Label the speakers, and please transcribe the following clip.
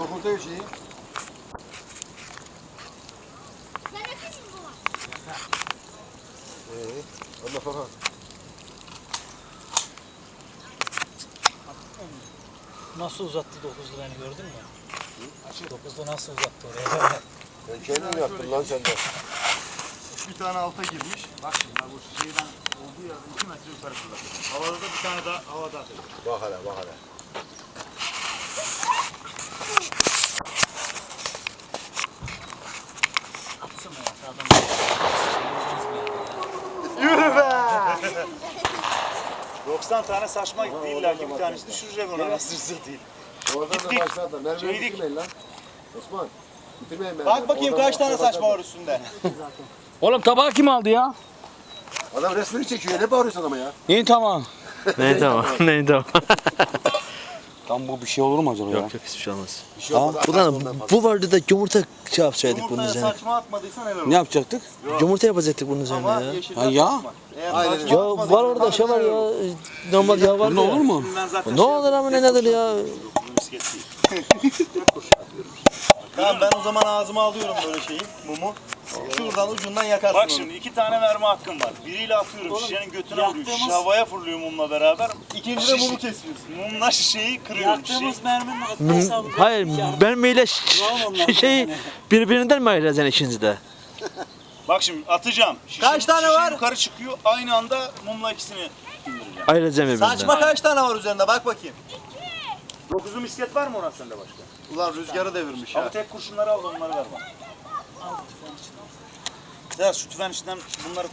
Speaker 1: Dokuzda bir şey. Ondan sonra.
Speaker 2: Nasıl uzattı 9'lu beni gördün mü? 9'da nasıl uzattı oraya?
Speaker 1: Ben kendin yaptım lan sen de.
Speaker 3: Bir tane alta girmiş. Bak şimdi bu şeyden olduğu yerden 2 metre yukarı fırlatıyor. Havada da bir tane daha havada atıyor.
Speaker 1: Bak hele bak hele.
Speaker 2: Atsana ya sağdan.
Speaker 3: Yürü be! 90 tane saçma gitti. İlla ki bir tanesi düşürecek ona nasıl değil.
Speaker 1: Oradan da
Speaker 3: Gittik.
Speaker 1: başladı. Merve'yi
Speaker 3: Şeydik.
Speaker 1: bitirmeyin lan. Osman. Bitirmeyin Merve'yi.
Speaker 3: Bak bakayım
Speaker 1: Oradan
Speaker 3: kaç tane
Speaker 1: başladı.
Speaker 3: saçma var üstünde.
Speaker 4: Oğlum tabağı kim aldı ya?
Speaker 1: Adam resmini çekiyor. Ne bağırıyorsun adama ya?
Speaker 4: İyi tamam.
Speaker 5: Ne tamam, ne tamam.
Speaker 4: Tam bu bir şey olur mu acaba ya?
Speaker 5: Yok hiçbir şey olmaz.
Speaker 1: Bir şey olmaz.
Speaker 5: Ulan bu vardı da yumurta şey yapsaydık bunun
Speaker 3: Yumurtaya
Speaker 5: üzerine.
Speaker 3: saçma atmadıysan helal
Speaker 4: Ne
Speaker 3: olsun.
Speaker 4: yapacaktık?
Speaker 5: Yumurta yapacaktık bunun üzerine
Speaker 3: Ama
Speaker 5: ya.
Speaker 3: yeşiller
Speaker 4: Ha ya?
Speaker 3: saçma. Eğer
Speaker 1: Aynen.
Speaker 3: saçma
Speaker 5: Ya
Speaker 3: atmadıysan
Speaker 5: var orada şey var
Speaker 3: helal
Speaker 5: ya.
Speaker 3: olsun.
Speaker 5: Normal yağ var
Speaker 4: Ne
Speaker 5: ya.
Speaker 4: olur mu?
Speaker 3: Ben zaten
Speaker 5: Ne olur ama ne nedir ya?
Speaker 3: Misket değil. Tamam ben o zaman ağzıma alıyorum böyle şeyi, mumu. Şuradan ucundan yakarsın
Speaker 6: Bak
Speaker 3: onu.
Speaker 6: şimdi 2 tane mermi hakkım var. Biriyle atıyorum şişenin götüne vuruyor.
Speaker 2: yaktığımız-
Speaker 6: Şişe havaya fırlıyor mumla beraber.
Speaker 3: İkinci de mumu kesiyorsun.
Speaker 6: Mumla şişeyi kırıyorum. Şişeyi.
Speaker 2: Yaktığımız merminin hesabı.
Speaker 5: Hayır, mermiyle
Speaker 2: Bravo onlar.
Speaker 5: şey birbirinden mi ayıracaksın ikinizi de?
Speaker 6: Bak şimdi atacağım. Şişe,
Speaker 3: Kaç tane
Speaker 6: şişe
Speaker 3: var?
Speaker 6: yukarı çıkıyor. Aynı anda mumla ikisini indireceğim.
Speaker 5: Ayıracağım birbirinden.
Speaker 3: Saçma kaç tane var üzerinde bak bakayım.
Speaker 6: 9'lu misket var mı Orhan sende başka?
Speaker 3: Ulan rüzgarı devirmiş ya.
Speaker 6: Abi tek kurşunları al da onları ver bana. Ya şu tüfeğin içinden bunları